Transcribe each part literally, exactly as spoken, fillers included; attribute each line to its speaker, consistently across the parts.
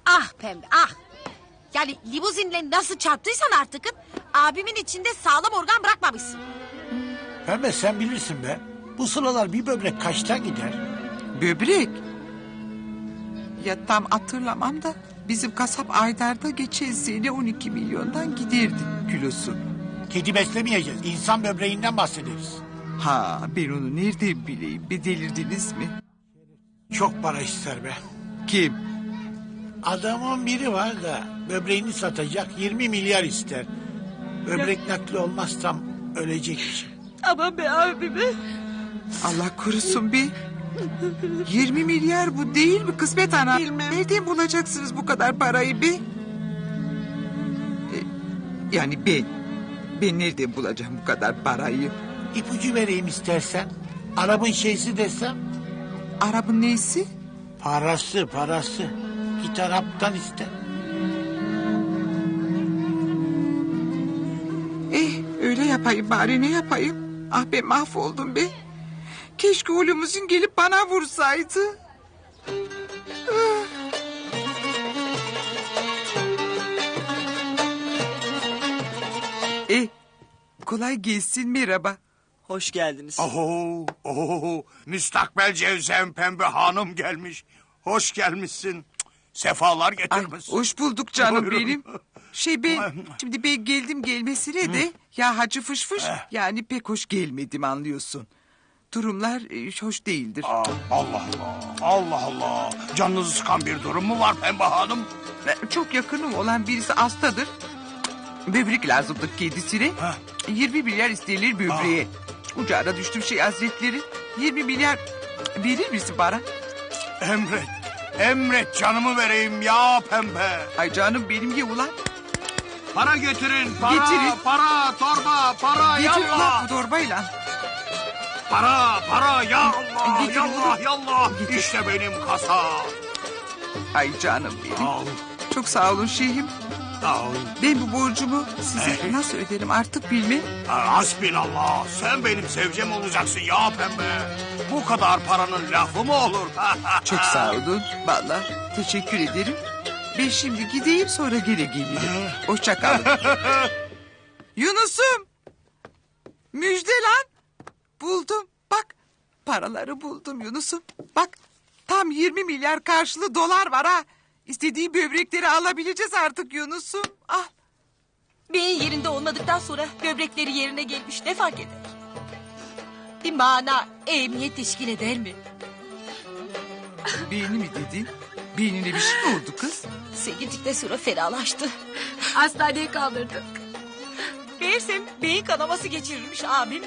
Speaker 1: Ah pembe ah. Yani limuzinle nasıl çarptıysan artık abimin içinde sağlam organ bırakmamışsın.
Speaker 2: Pembe sen bilirsin be. Bu sıralar bir böbrek kaçta gider?
Speaker 3: Böbrek? Ya tam hatırlamam da bizim kasap Aydar'da geçen sene on iki milyondan giderdi kilosu.
Speaker 2: Kedi beslemeyeceğiz. İnsan böbreğinden bahsederiz.
Speaker 3: Ha ben onu nereden bileyim? Bir delirdiniz mi?
Speaker 2: Çok para ister be.
Speaker 3: Kim?
Speaker 2: Adamın biri var da böbreğini satacak yirmi milyar ister. Böbrek nakli olmazsam ölecek.
Speaker 1: Aman be abime.
Speaker 3: Allah korusun be. yirmi milyar bu değil mi kısmet ana? Nereden bulacaksınız bu kadar parayı be? E, yani ben. Ben nereden bulacağım bu kadar parayı?
Speaker 2: İpucu vereyim istersen. Arabın şeysi desem.
Speaker 3: Arabın neysi?
Speaker 2: Parası parası. Git Arap'tan iste.
Speaker 3: Eh öyle yapayım bari ne yapayım? Ah ben mahvoldum be. Keşke o limuzin gelip bana vursaydı. Ah. Eh kolay gelsin merhaba.
Speaker 4: Hoş geldiniz.
Speaker 5: Oho, oho, müstakbel Cevzem Pembe Hanım gelmiş. Hoş gelmişsin. Cık, sefalar
Speaker 3: Ay,
Speaker 5: getirmişsin.
Speaker 3: hoş bulduk canım
Speaker 5: Buyurun.
Speaker 3: benim. Şey ben şimdi ben geldim gelmesine de ya hacı fış fış yani pek hoş gelmedim anlıyorsun. Durumlar e, hoş değildir.
Speaker 5: Aa, Allah Allah, Allah Allah. Canınızı sıkan bir durum mu var Pembe Hanım?
Speaker 3: Çok yakınım olan birisi hastadır. Böbrek lazımdı kendisine.
Speaker 5: Heh.
Speaker 3: yirmi milyar isterler böbreğe. Ucağına düştüm şey hazretleri. yirmi milyar verir misin bana?
Speaker 5: Emret, emret canımı vereyim ya Pembe.
Speaker 3: Ay canım benim ye ulan.
Speaker 5: Para getirin, para,
Speaker 3: Getirin.
Speaker 5: para, torba, para,
Speaker 3: Getir
Speaker 5: yallah.
Speaker 3: ulan bu torbayla.
Speaker 5: Para, para, ya Allah,
Speaker 3: Getir
Speaker 5: yallah,
Speaker 3: oğlum.
Speaker 5: yallah.
Speaker 3: Getir.
Speaker 5: İşte benim kasa.
Speaker 3: Ay canım benim.
Speaker 5: Al,
Speaker 3: Çok sağ olun şeyhim.
Speaker 5: al.
Speaker 3: Ben bu borcumu size nasıl öderim artık bilmem.
Speaker 5: Hasbinallah, sen benim sevcem olacaksın ya Pembe. Bu kadar paranın lafı mı olur?
Speaker 3: Çok sağ olun. Vallahi teşekkür ederim. Ben şimdi gideyim sonra geri gelirim. Hoşça kalın. Yunus'um. Müjde lan. Buldum. Bak paraları buldum Yunus'um. Bak tam yirmi milyar karşılığı dolar var ha. İstediği böbrekleri alabileceğiz artık Yunus'um. Al.
Speaker 1: Beyin yerinde olmadıktan sonra böbrekleri yerine gelmiş ne fark eder? Bir mana emniyet teşkil eder mi?
Speaker 3: Beyni mi dedin? Beynine bir şey mi oldu kız?
Speaker 1: Sen gittikten sonra fenalaştı.
Speaker 6: Hastaneye kaldırdık.
Speaker 1: Meğersem beyin kanaması geçirirmiş abim.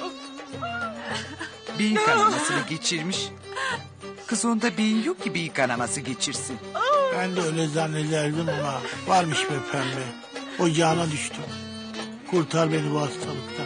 Speaker 3: Beyin kanamasını geçirmiş. Kız onda beyin yok ki beyin kanaması geçirsin.
Speaker 2: Ben de öyle zannederdim ama varmış be pembe. Ocağına düştüm. Kurtar beni bu hastalıktan.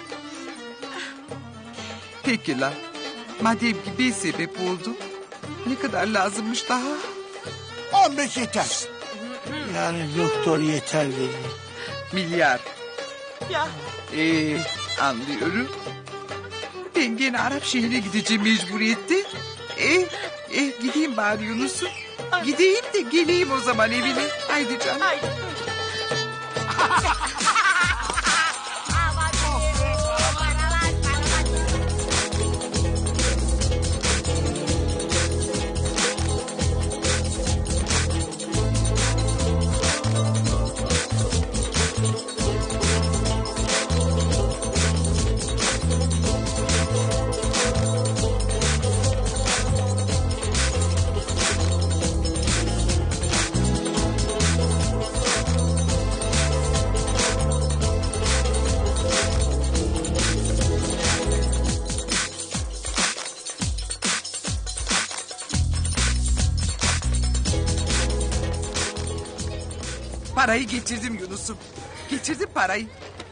Speaker 3: Peki lan. Madem ki bir sebep oldu. Ne kadar lazımmış daha?
Speaker 2: on beş yeter. Yani doktor yeter dedi.
Speaker 3: Milyar.
Speaker 1: Ya
Speaker 3: Ee, anlıyorum. Ben gene Arap şehrine gideceğim mecburiyette. Ee, eh, gideyim bari Yunus'um. Gideyim de geleyim o zaman evine. Haydi canım.
Speaker 1: haydi.
Speaker 3: Parayı getirdim Yunus'um. Getirdim parayı.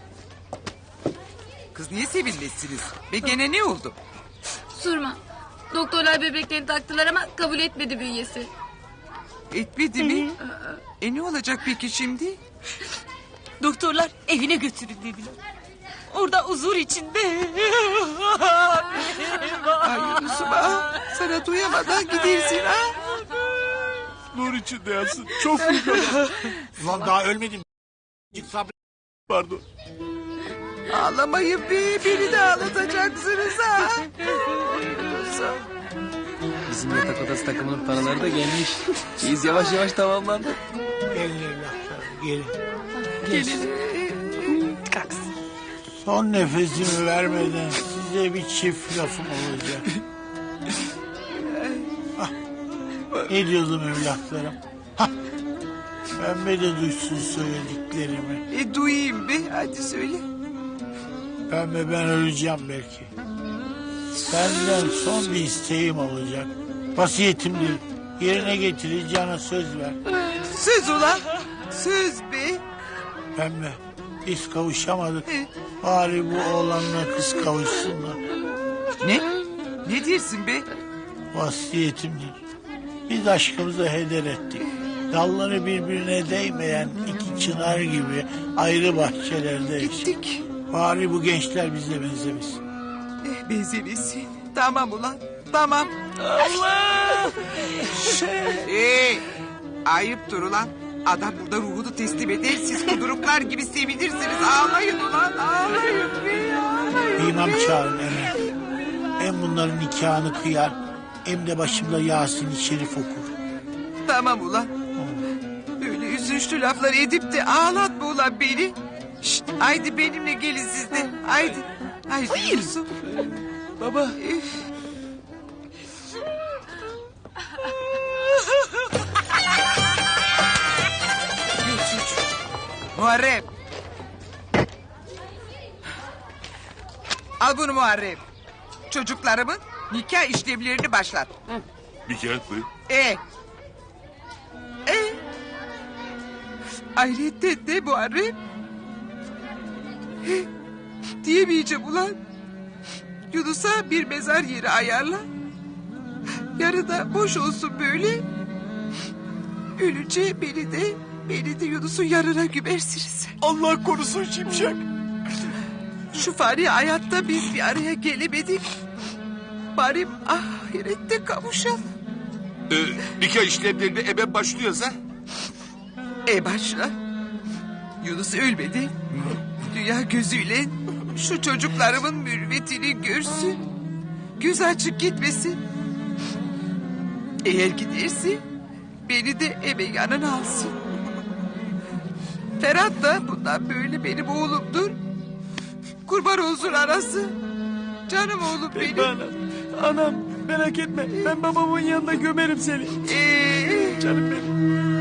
Speaker 3: Kız niye sevinmezsiniz? Ve gene ne oldu?
Speaker 6: Sorma. Doktorlar böbreklerini taktılar ama kabul etmedi bünyesi.
Speaker 3: Etmedi mi? E ne olacak peki şimdi?
Speaker 1: Doktorlar evine götürün dediler. Orada huzur içinde.
Speaker 3: Ay Yunus'um ah, sana duyamadan gidersin ha.
Speaker 2: Nur
Speaker 5: içinde yatsın. Çok büyük adam.
Speaker 2: Ulan daha ölmedim. Git sabret.
Speaker 5: Pardon.
Speaker 3: Ağlamayın be, beni de ağlatacaksınız ha.
Speaker 4: Bizim yatak odası takımının paraları da gelmiş. Biz yavaş yavaş tamamlandık.
Speaker 2: Gelin evlatlarım gelin.
Speaker 3: Gelin.
Speaker 2: Son nefesimi vermeden size bir çift lafım olacak. Ah, ne diyordum evlatlarım? Hah, Pembe de duysun söylediklerimi.
Speaker 3: E duyayım be, hadi söyle.
Speaker 2: Pembe ben öleceğim belki. Senden son bir isteğim olacak. Vasiyetimdir. Yerine getireceğine söz ver.
Speaker 3: Söz ulan, söz be.
Speaker 2: Pembe biz kavuşamadık.
Speaker 3: E,
Speaker 2: Bari bu oğlanla kız kavuşsunlar.
Speaker 3: ne? Ne diyorsun be?
Speaker 2: Vasiyetimdir. Biz aşkımızı heder ettik. Dalları birbirine değmeyen iki çınar gibi ayrı bahçelerde yaşadık.
Speaker 3: Gittik.
Speaker 2: Bari bu gençler bize benzemesin.
Speaker 3: Eh, benzemesin. Tamam ulan, tamam.
Speaker 4: Allah!
Speaker 3: Ee, ayıptır ulan. Adam burada ruhunu teslim eder. Siz kuduruklar gibi sevinirsiniz. Ağlayın ulan, ağlayın be, ağlayın.
Speaker 2: İmam çağırın hemen. Hem bunların nikahını kıyar hem de başımda Yasin-i Şerif okur.
Speaker 3: Tamam ulan. Böyle üzünçlü laflar edip de ağlatma ulan beni. Şşt, haydi benimle gelin siz de. Haydi. Haydi Yusuf.
Speaker 4: Baba.
Speaker 3: Üf. Muharrem. Al bunu Muharrem. Çocuklarımın nikah işlemlerini başlat.
Speaker 5: Nikah mı?
Speaker 3: E. E. Ayrıca de Muharrem. E, diyemeyeceğim ulan. Yunus'a bir mezar yeri ayarla. Yarı da boş olsun böyle. Ölünce beni de beni de Yunus'un yarına gömersiniz.
Speaker 5: Allah korusun Şimşek.
Speaker 3: Şu fani hayatta biz bir araya gelemedik. Bari ahirette kavuşalım.
Speaker 5: Ee, nikah işlemlerine hemen başlıyoruz ha?
Speaker 3: E başla. Yunus ölmedi. Dünya gözüyle şu çocuklarımın mürvetini görsün. Göz açık gitmesin. Eğer giderse beni de eve yanına alsın. Ferhat da bundan böyle benim oğlumdur. Kurban olsun arası. Canım oğlum benim.
Speaker 4: Anam, anam merak etme. Ben babamın yanında gömerim seni.
Speaker 3: Ee,
Speaker 4: Canım benim.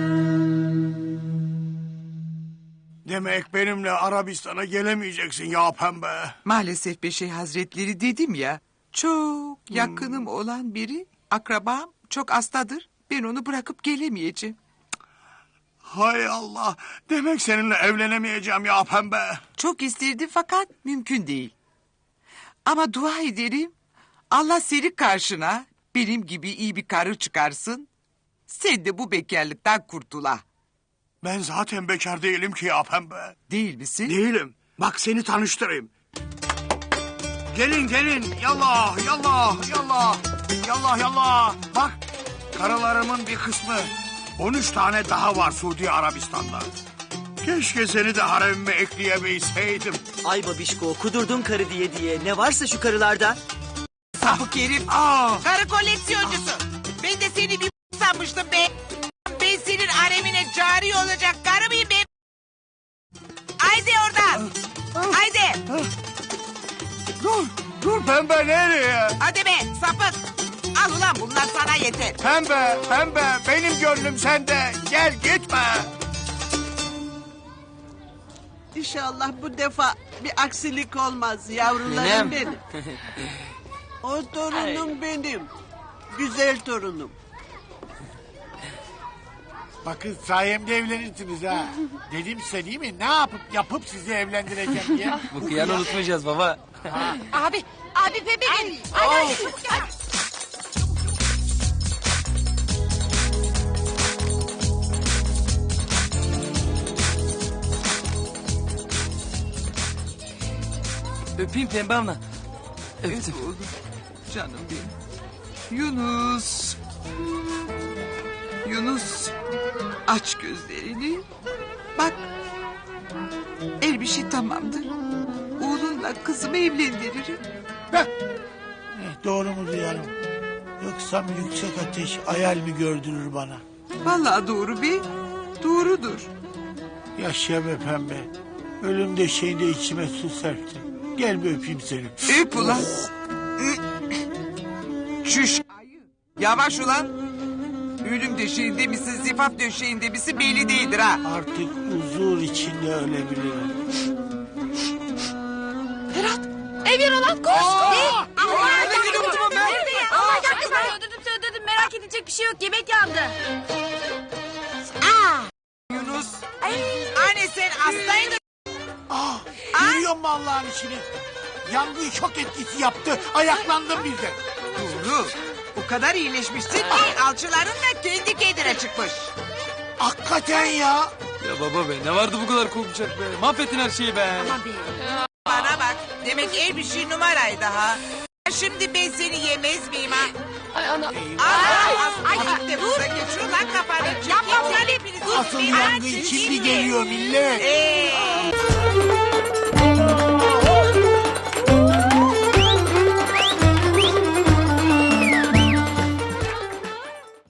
Speaker 5: Demek benimle Arabistan'a gelemeyeceksin ya Pembe.
Speaker 3: maalesef Beşey Hazretleri dedim ya. Çok yakınım olan biri, akrabam çok hastadır. Ben onu bırakıp gelemeyeceğim.
Speaker 5: Hay Allah. Demek seninle evlenemeyeceğim ya Pembe.
Speaker 3: Çok isterdim fakat mümkün değil. Ama dua ederim Allah seni karşına benim gibi iyi bir karı çıkarsın. Sen de bu bekarlıktan kurtula.
Speaker 5: Ben zaten bekar değilim ki ya Pembe.
Speaker 3: Değil misin?
Speaker 5: Değilim. Bak seni tanıştırayım. Gelin gelin. Yallah yallah yallah. Yallah yallah. Bak karılarımın bir kısmı. on üç tane daha var Suudi Arabistan'da. Keşke seni de haremime ekleyebilseydim.
Speaker 7: Ay babişko kudurdun karı diye diye. Ne varsa şu karılarda.
Speaker 3: Sapık herif.
Speaker 5: Aa,
Speaker 3: Karı koleksiyoncusu. Ben de seni bir sanmıştım be. Ben senin haremine cari olacak karı mıyım be? Haydi oradan. Haydi.
Speaker 5: dur dur Pembe nereye?
Speaker 3: Hadi be sapık. Al ulan bunlar sana yeter.
Speaker 5: Pembe Pembe benim gönlüm sende. Gel gitme.
Speaker 8: İnşallah bu defa bir aksilik olmaz yavrularım
Speaker 4: Nenem.
Speaker 8: benim. O torunum benim. Güzel torunum.
Speaker 2: Bakın sayemde evlenirsiniz ha. Dedim size değil mi? Ne yapıp yapıp sizi evlendireceğim diye.
Speaker 4: Bu kıyanı unutmayacağız baba.
Speaker 1: Abi, abi Pembe gel. Hadi, hadi, çabuk gel.
Speaker 4: Öpeyim Pembe abla. Öptüm.
Speaker 3: Oğlum, canım benim. Yunus. Yunus aç gözlerini. Bak her bir şey tamamdır. Oğlunla kızımı evlendiririm.
Speaker 2: Eh, doğru mu duyarım? Yoksa yüksek ateş hayal mi gördürür bana?
Speaker 3: Vallahi doğru be. Doğrudur.
Speaker 2: Yaşa be pembe. Ölüm döşeğinde içime su serptin. Gel bir öpeyim seni.
Speaker 3: Öp ulan. Çüş. Yavaş ulan. Ölüm döşeğinde misin, zifaf döşeğinde misin belli değildir ha.
Speaker 2: Artık huzur içinde ölebilirim.
Speaker 6: Evir olan koş.
Speaker 3: Allah Allah.
Speaker 6: Nerede ya? Allah aşkına öldürdüm öldürdüm. Merak edilecek bir şey yok. Yemek yandı.
Speaker 3: Yunus. Anne sen hastaydın.
Speaker 2: Ah, görüyor musun Allah'ın işini? Yangın şok etkisi yaptı. Ayaklandım birden.
Speaker 3: Doğru. O kadar iyileşmişsin ki alçıların da kendi kendine çıkmış.
Speaker 2: Hakikaten ya.
Speaker 4: Ya baba be ne vardı bu kadar korkacak be. Mahvettin her şeyi be.
Speaker 3: Bana bak. Demek her bir şey numaraydı ha. Şimdi ben seni yemez miyim ha?
Speaker 6: Ay ana.
Speaker 3: Ay, ay, ay, de burada geçiyor lan kafanı. Yapma sen hepiniz.
Speaker 2: Asıl yangın şimdi geliyor millet.
Speaker 3: Ee.